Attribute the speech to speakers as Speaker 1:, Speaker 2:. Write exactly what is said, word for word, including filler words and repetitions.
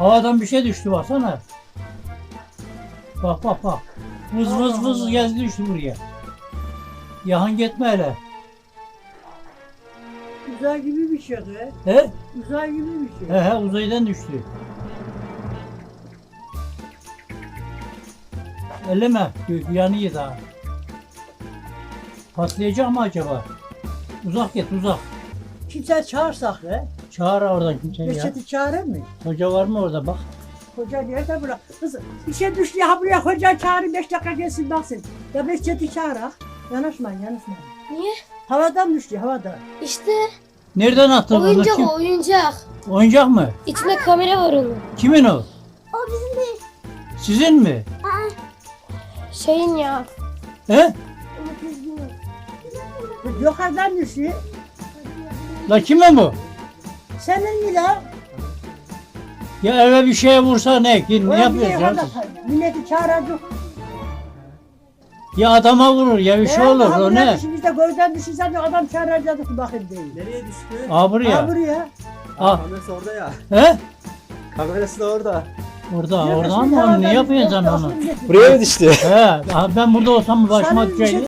Speaker 1: Havadan bir şey düştü baksana. Bak bak bak. Vız vız vız geldi düştü buraya. Yahan gitme hele.
Speaker 2: Uzay gibi bir şey be.
Speaker 1: He?
Speaker 2: Uzay gibi bir şey.
Speaker 1: He he uzaydan düştü. Elleme. Gök yanıyor daha. Patlayacak mı acaba? Uzak git uzak.
Speaker 2: Kimse çağırsak be.
Speaker 1: Çağır oradan kimseyi ya.
Speaker 2: Reçeti çağırır mı?
Speaker 1: Hoca var mı orada bak.
Speaker 2: Hoca nerede bırak? Kız bir şey düştü ya buraya hoca çağırın beş dakika gelsin baksın. Ya Reçeti çağırak. Yanaşmayın yanaşmayın.
Speaker 3: Niye?
Speaker 2: Havadan düştü havadan.
Speaker 3: İşte
Speaker 1: Nereden attın onu?
Speaker 3: oyuncak
Speaker 1: Kim?
Speaker 3: o oyuncak.
Speaker 1: Oyuncak mı?
Speaker 3: İçinde kamera var onun.
Speaker 1: Kimin o?
Speaker 3: O bizim değil.
Speaker 1: Sizin mi?
Speaker 3: Şeyin ya.
Speaker 1: He?
Speaker 2: Yukarıdan düştü.
Speaker 1: La kimin bu?
Speaker 2: Senin mi la?
Speaker 1: Ya eve bir şeye vursa ne? Ne
Speaker 2: Ulan
Speaker 1: yapıyorsun
Speaker 2: niye
Speaker 1: ya?
Speaker 2: yukarıda- Milleti çağıracak.
Speaker 1: Ya adama vurur ya bir şey olur o ne?
Speaker 2: Biz de gözden düşünsen adam çağıracaktık bakayım değil.
Speaker 4: Nereye düştü?
Speaker 1: Aa
Speaker 2: Ha
Speaker 1: buraya.
Speaker 2: buraya.
Speaker 1: Ah.
Speaker 4: Kamerası orada ya.
Speaker 1: He?
Speaker 4: Kamerası da orada.
Speaker 1: Orada orada ama onu ne yapıyorsun sen onu?
Speaker 4: Buraya mı düştü?
Speaker 1: He, ben burada olsam başıma
Speaker 2: Sana bir şey
Speaker 1: düşecek.